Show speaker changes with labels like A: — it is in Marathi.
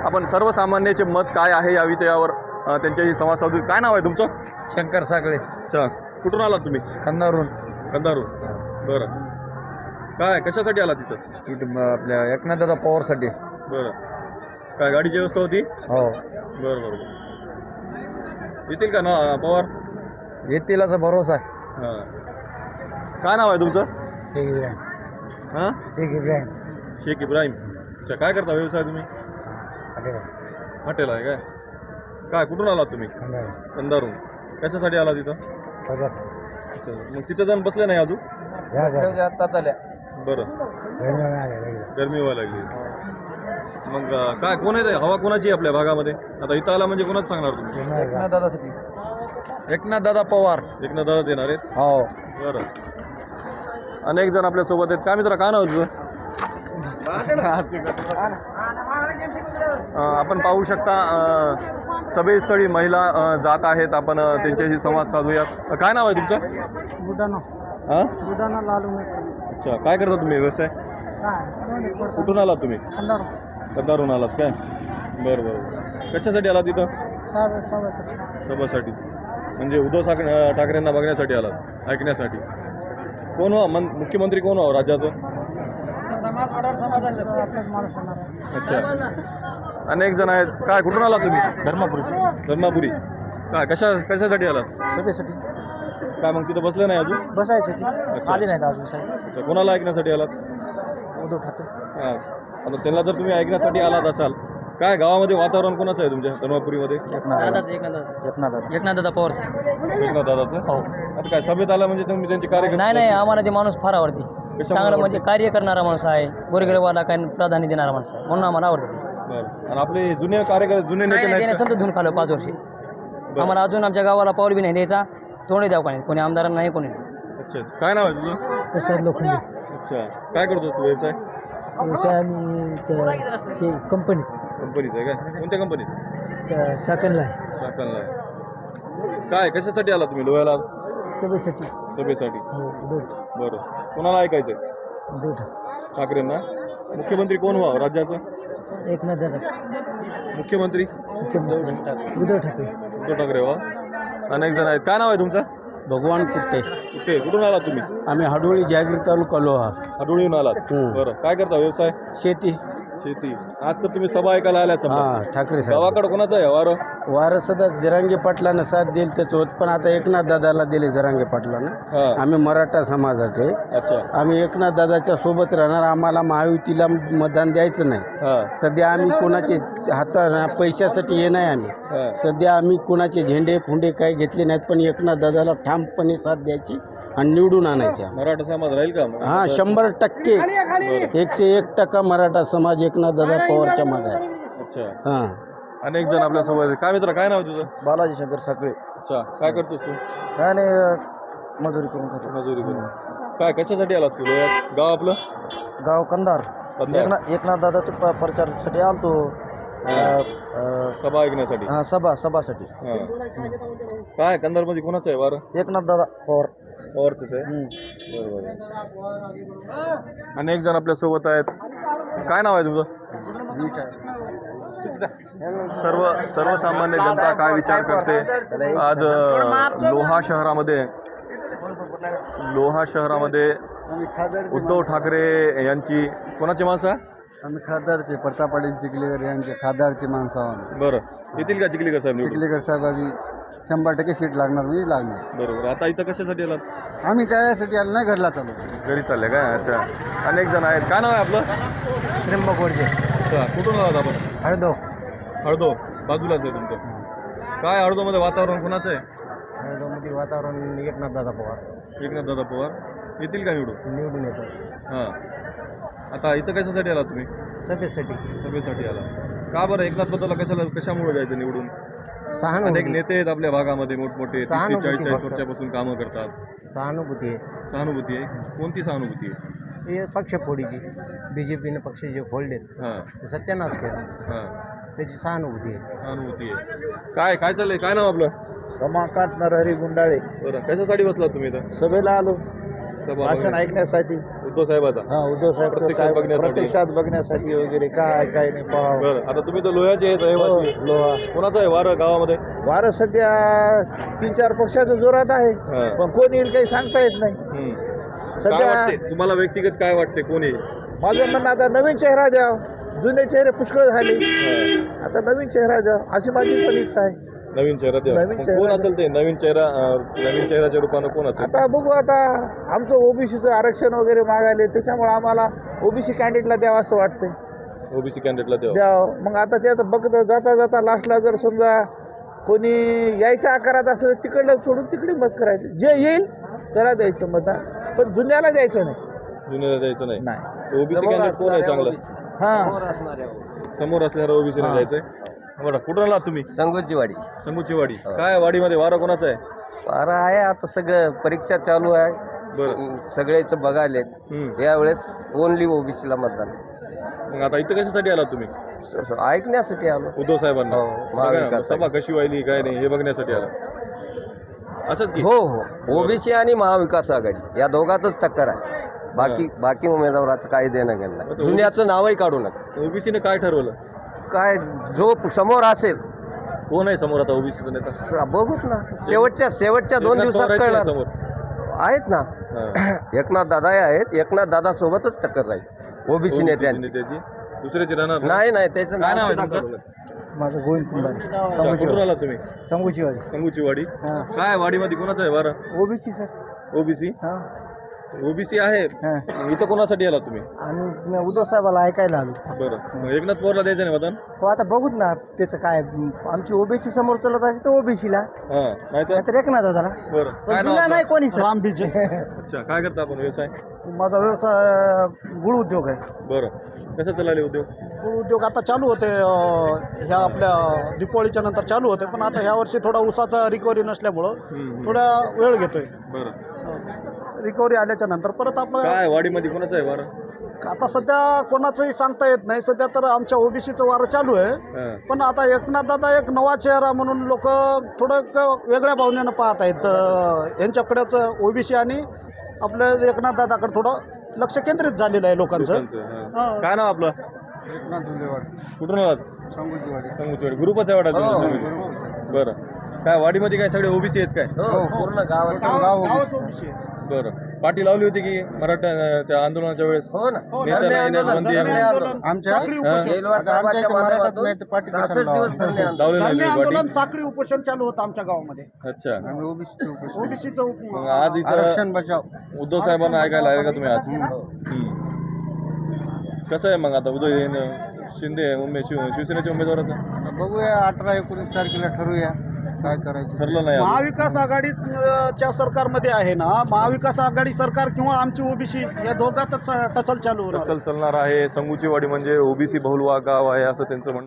A: आपण सर्वसामान्याचे मत काय आहे या विषयावर त्यांच्याशी संवाद साधू. काय नाव आहे तुमचं?
B: शंकर सागळे.
A: अच्छा, कुठून आलात तुम्ही?
B: खंदारून.
A: कंधारून. बरं, काय कशासाठी आला तिथं?
B: इथं आपल्या एकनाथदादा पवारसाठी.
A: बरं, काय गाडीची व्यवस्था होती?
B: हो,
A: बरं बरं. येतील का ना पवार?
B: येतील असा भरोसा आहे.
A: हां, काय नाव आहे तुमचं?
B: शेख इब्राहिम.
A: हां,
B: शेख इब्राहिम.
A: शेख इब्राहिम. अच्छा, काय करता व्यवसाय तुम्ही? हॉटेल आहे काय? काय कुठून आलात तुम्ही?
B: खंदारून.
A: कंधारून. कशासाठी आला तिथं?
B: प्रजासाठी.
A: अच्छा, मग तिथं जाऊन बसले नाही अजून? बरं, गरमी व्हायला लागली. मग काय कोण आहे? हवा कोणाची आहे आपल्या भागामध्ये? आता इथं आला म्हणजे कोणाच सांगणार तुम्ही?
B: एकनाथदादासाठी. एकनाथदादा पवार.
A: एकनाथदादाच येणार आहेत.
B: हो.
A: बरं, अनेक जण आपल्या सोबत आहेत. काय मित्र, काय नाव तुझं? आपण पाहू शकता सभेस्थळी महिला जात आहेत. आपण त्यांच्याशी संवाद साधूयात. काय नाव आहे तुमचं?
C: बुडाना.
A: हां,
C: बुडाना लालू.
A: अच्छा, काय करता तुम्ही व्यवसाय? कुठून आलात तुम्ही? कंधारून आलात काय? बरं बरं. कशासाठी आलात तिथं? सभासाठी. म्हणजे उद्धव ठाकरेंना बघण्यासाठी आलात, ऐकण्यासाठी. कोण हो मुख्यमंत्री? कोण हो राज्याचं? अच्छा, अनेक जण आहेत. काय कुठून आलात तुम्ही? धर्मापुरी. काय कशासाठी आलात?
C: सभेसाठी.
A: काय मग तिथं बसले नाही अजून?
C: बसायसाठी
A: अच्छा.
C: आले नाहीत अजून साहेब.
A: अच्छा, कोणाला ऐकण्यासाठी आलात?
C: उद्धव ठाकरे.
A: हां, आता त्यांना जर तुम्ही ऐकण्यासाठी आलात असाल, काय गावामध्ये वातावरण कोणाचं आहे तुमच्या धर्मापुरीमध्ये?
C: एकनाथदादा पवारचा.
A: एकनाथदादाचं.
C: हो.
A: आता काय सभेत आला म्हणजे तुम्ही त्यांचे कार्यक्रम?
C: नाही, आम्हाला ते माणूस फार आवडते. चांगलं म्हणजे कार्य करणारा माणूस आहे. गोरगरिबाला काय प्राधान्य देणारा माणूस आहे, म्हणून आम्हाला आवडते.
A: बरं, आणि आपले जुने कार्यकर्ते, जुने नेते
C: त्याने
A: नाही?
C: समजा धुवून खाल्लं 5 वर्षे. आम्हाला अजून आमच्या गावाला पाऊल बी नाही द्यायचा, तोंडी द्यावं नाही, कोणी आमदारांना नाही, कोणी नाही.
A: अच्छा, काय नाव आहे तुझं?
C: प्रसाद लोखंडे.
A: अच्छा, काय करतो तू व्यवसाय?
C: व्यवसाय आम्ही कंपनीत.
A: कंपनीचं आहे काय? कोणत्या कंपनीत?
C: चाकणला आहे.
A: चाकणला आहे. काय कशासाठी आला तुम्ही लोह्याला?
C: सभेसाठी.
A: सभेसाठी.
C: उद्धव
A: बरं, कोणाला ऐकायचं? ठाकरेंना. मुख्यमंत्री कोण व्हावं राज्याचं?
C: एकनाथदादा.
A: मुख्यमंत्री
C: उद्धव ठाकरे.
A: उद्धव ठाकरे व्हा. अनेक जण आहेत. काय नाव आहे तुमचं?
B: भगवान कुट्टे.
A: कुठून आलात तुम्ही?
B: आम्ही हाडोळी जागीर तालुका लोहा.
A: आडोळीहून आलात. बरं, काय करता व्यवसाय?
B: शेती.
A: शेती. आज तर तुम्ही सभा ऐकायला आल्या समजा.
B: हां, ठाकरे साहेब.
A: गावाकडे कोणाचं आहे वारं?
B: वारं सदा जरांगे पाटलानं साथ दिली त्याच होत, पण आता एकनाथ दादाला दिले जरांगे पाटलानं.
A: हां.
B: आम्ही मराठा समाजाचे.
A: अच्छा.
B: आम्ही एकनाथ दादाच्या सोबत राहणार. आम्हाला महायुतीला मतदान द्यायचं नाही.
A: हां.
B: सध्या आम्ही कोणाचे पैशासाठी ये नाही. आम्ही
A: हां.
B: सध्या आम्ही कोणाचे झेंडे फुंडे काही घेतले नाहीत, पण एकनाथ दादाला ठामपणे साथ द्यायची आणि निवडून आणायच्या.
A: मराठा समाज राहील का?
B: हां, 100%. 101% मराठा समाज एकनाथ दादा पवारच्या मागे आहे.
A: अच्छा.
B: हां.
A: अनेक जण आपल्या सोबत आहेत. काय मित्र, काय नाव तुझं?
B: बालाजी शंकर साखळे.
A: अच्छा, काय करतोस तू?
B: काय नाही, मजुरी करून खातो.
A: मजुरी करून. काय कशासाठी आलास तू लोह्यात? गाव आपलं?
B: गाव कंधार.
A: कंधार.
B: एकनाथ दादाच्या प्रचारासाठी आलतो.
A: सभा ऐकण्यासाठी.
B: हां, सभासाठी.
A: हां. काय कंधारमध्ये कोणाचं आहे वारं?
B: एकनाथ दादा पवार.
A: पवारचंच आहे. बरोबर. अनेक जण आपल्या सोबत आहेत. काय नाव आहे तुमचं? सर्वसामान्य जनता काय विचार करते? आज लोहा शहरामध्ये उद्धव ठाकरे यांची कोणाची माणसं?
B: आम्ही खासदारचे प्रताप पाटील चिखलीकर यांचे खासदारचे माणसं आहोत.
A: बरं, येतील का चिखलीकर साहेब निवडून?
B: चिखलीकर साहेबाची 100% सीट लागणार, मी लागणार.
A: बरोबर. आता इथं कशासाठी आलात?
B: आम्ही काय आलो नाही, घरला चालू.
A: घरी चालले काय? अच्छा, अनेक जण आहेत. काय नाव आहे आपलं?
B: त्र्यंबक वडजे.
A: अच्छा, कुठून आलात आपण? हळदो. बाजूलाच आहे तुमचं. काय हळदोमध्ये वातावरण कोणाचं आहे?
B: हळदोमध्ये वातावरण एकनाथ दादा पवार.
A: एकनाथदादा पवार येतील का
B: निवडून येतो.
A: हां. आता इथं कशासाठी आला तुम्ही? सभेसाठी आला. का बरं? एकनाथबद्दल कशामुळे जायचं निवडून? अनेक नेते आहेत आपल्या भागामध्ये मोठमोठे, 30-40 वर्षापासून कामं करतात.
B: सहानुभूती
A: आहे. कोणती सहानुभूती आहे?
B: हे पक्षफोडीची. BJPने पक्ष जे फोडलेत,
A: हां,
B: सत्यानाश केला,
A: हां,
B: त्याची सहानुभूती आहे.
A: काय चाललंय? काय नाव आपलं?
B: रमाकांत नरहरी गुंडाळे.
A: बरं, कशासाठी बसलात तुम्ही इथं?
B: सभेला आलो.
A: सभा
D: भाषण
A: बघण्या-
D: ऐकण्यासाठी
A: उद्धव साहेबाचा
D: हा उद्धव साहेब
A: प्रत्यक्षात बघण्यासाठी.
D: प्रत्यक्षात बघण्यासाठी वगैरे काय नाही पाहावं.
A: बरं आता तुम्ही तर लोह्याचे आहेत रहिवासी.
D: लोहा
A: कोणाचं आहे वारं गावामध्ये?
D: वारं सध्या 3-4 पक्षाच्या जोरात आहे
A: हा.
D: पण कोण येईल काही सांगता येत नाही.
A: हम्म. काय
D: सध्या
A: वाटते तुम्हाला व्यक्तिगत काय वाटते कोण येईल?
D: माझं म्हणणं आता नवीन चेहरा द्या. जुने चेहरे पुष्कळ झाले,
A: हा.
D: आता नवीन चेहरा द्या अशी माझी पण इच्छा आहे.
A: नवीन चेहरा द्या.
D: नवीन
A: मग
D: चेहरा
A: कोण
D: द्या.
A: असेल ते नवीन चेहऱ्याच्या रूपानं कोण असेल?
D: आता बघू, आता आमचं ओबीसीचं आरक्षण वगैरे मागायले त्याच्यामुळे आम्हाला ओबीसी कॅन्डिडेटला द्यावं असं वाटतंय.
A: ओबीसी कॅन्डिडेटला द्यावं.
D: द्यावं. मग आता त्याचं बघत जाता जाता लास्टला जर समजा कोणी यायच्या आकारात असं तिकडलं सोडून तिकडे मत करायचं. जे येईल त्याला द्यायचं मतदान, पण जुन्याला द्यायचं नाही.
A: जुन्याला द्यायचं नाही.
D: नाही
A: ओबीसी कॅन्डिडेट कोण आहे चांगलं?
D: हां
A: समोर असणारा ओबीसी नाही जायचंय. बरं कुठून आलात तुम्ही?
E: संगोची वाडी
A: संगूची वाडी. काय वाडीमध्ये वारं कोणाचं आहे?
E: वारा आहे आता सगळं परीक्षा चालू आहे.
A: बरं.
E: सगळेच बघायले
A: हम्म.
E: यावेळेस ओनली ओबीसीला मतदान
A: मग आता इथं कशासाठी आलात तुम्ही?
E: ऐकण्यासाठी आलो.
A: उद्धव साहेबांना
E: हो,
A: बघा ना,
E: महाविकास
A: सभा कशी व्हायली काय नाही हे बघण्यासाठी आला. असंच की
E: हो हो ओबीसी आणि महाविकास आघाडी या दोघातच टक्कर आहे. बाकी उमेदवाराचं काही देणं घेणं नाही. जुन्याचं नावही काढू नका.
A: ओबीसीने काय ठरवलं?
E: काय जो समोर असेल
A: कोण आहे समोर आता ओबीसीचा नेता?
E: बघूच ना. शेवटच्या 2
A: एकनाथ
E: दिवसात
A: पवार आहेत
E: कळणार.
A: की समोर?
E: आहेत ना.
A: हां.
E: एकनाथ दादा आहेत. एकनाथ दादा सोबतच टक्कर राहील ओबीसी नेत्यांची.
A: नेत्याची दुसऱ्याची राहणार
E: नाही त्याचं
A: काय नाव आहे
E: सुद्धा
A: तुमचं?
E: काढू नका.
D: माझं गोविंद कुंभारे,
A: अच्छा, कुठून आला तुम्ही?
D: संगूची वाडी.
A: संगूची वाडी. काय वाडीमध्ये कोणाचं आहे वारं?
D: OBC sir.
A: ओबीसी ओबीसी आहे. मग इथं कोणासाठी आला तुम्ही?
D: आम्ही उद्धव साहेबाला ऐकायला आलो.
A: बरं मग एकनाथ पवारला द्यायचं नाही मतदान?
D: हो आता बघूत ना त्याचं काय. आमची ओबीसी समोर चलत असेल तर ओबीसीला,
A: हां नाही तर
D: तर एकनाथ दादाला.
A: बरं काय नाव आपलं?
D: नाही कोणी राम बीजे.
A: अच्छा काय करता आपण व्यवसाय?
D: माझा व्यवसाय गुळ उद्योग आहे.
A: बरं कसं चालले उद्योग?
D: गुळ उद्योग आता चालू होते ह्या आपल्या दिपावळीच्या नंतर चालू होते, पण आता ह्या वर्षी थोडा ऊसाचा रिकव्हरी नसल्यामुळं थोडा वेळ घेतोय.
A: बरं
D: रिकव्हरी आल्याच्या नंतर परत आपलं
A: काय वाडीमध्ये कोणाचं आहे वारं?
D: आता सध्या कोणाचंही सांगता येत नाही. सध्या तर आमच्या ओबीसीचं वारं चालू आहे,
A: हां.
D: पण आता एकनाथ दादा एक नवा चेहरा म्हणून लोक थोडं वेगळ्या भावनेनं पाहत आहेत. यांच्याकडेच ओबीसी आणि आपल्या एकनाथ दादाकडे थोडं लक्ष केंद्रित झालेलं आहे लोकांचं.
A: हां. काय नाव आपलं?
D: एकनाथ धुलेवाड,
A: कुठून आलात?
D: संगूची वाडी.
A: संगूची वाडी. ग्रुपच आहे वाटा तुम्ही? बरं काय वाडीमध्ये काय सगळे ओबीसी आहेत काय?
E: हो पूर्ण गावात
D: ओबीसी.
A: बरं पाठी लावली होती की मराठा त्या आंदोलनाच्या वेळेस?
E: हो ना.
A: नेत्यांना येण्यास बंदी आहे म्हणून.
D: आमच्या
E: जेलवास साहेबाच्या माध्यमातून 66 दिवस धरणे आंदोलन.
A: लावले नाही
D: धरणे
A: तुम्ही
D: आंदोलन
A: पाठी?
D: साखळी उपोषण चालू होतं आमच्या गावामध्ये.
A: अच्छा
D: ओबीसीचं
A: मग आज इथं
D: बचाव
A: उद्धव साहेबांना ऐकायला आले का तुम्ही आज? कसं आहे मग आता उदय शिंदे शिवसेनेच्या उमेदवाराचं
D: बघूया. 18-19 तारखेला ठरवूया काय करायचं.
A: ठरलं नाही अजून.
D: महाविकास आघाडीच्या सरकारमध्ये आहे ना, महाविकास आघाडी सरकार किंवा आमची ओबीसी या दोघातच टचल चालू होणार.
A: चालणार आहे. संगूची वाडी म्हणजे ओबीसी बहुल गाव आहे असं त्यांचं म्हणणं.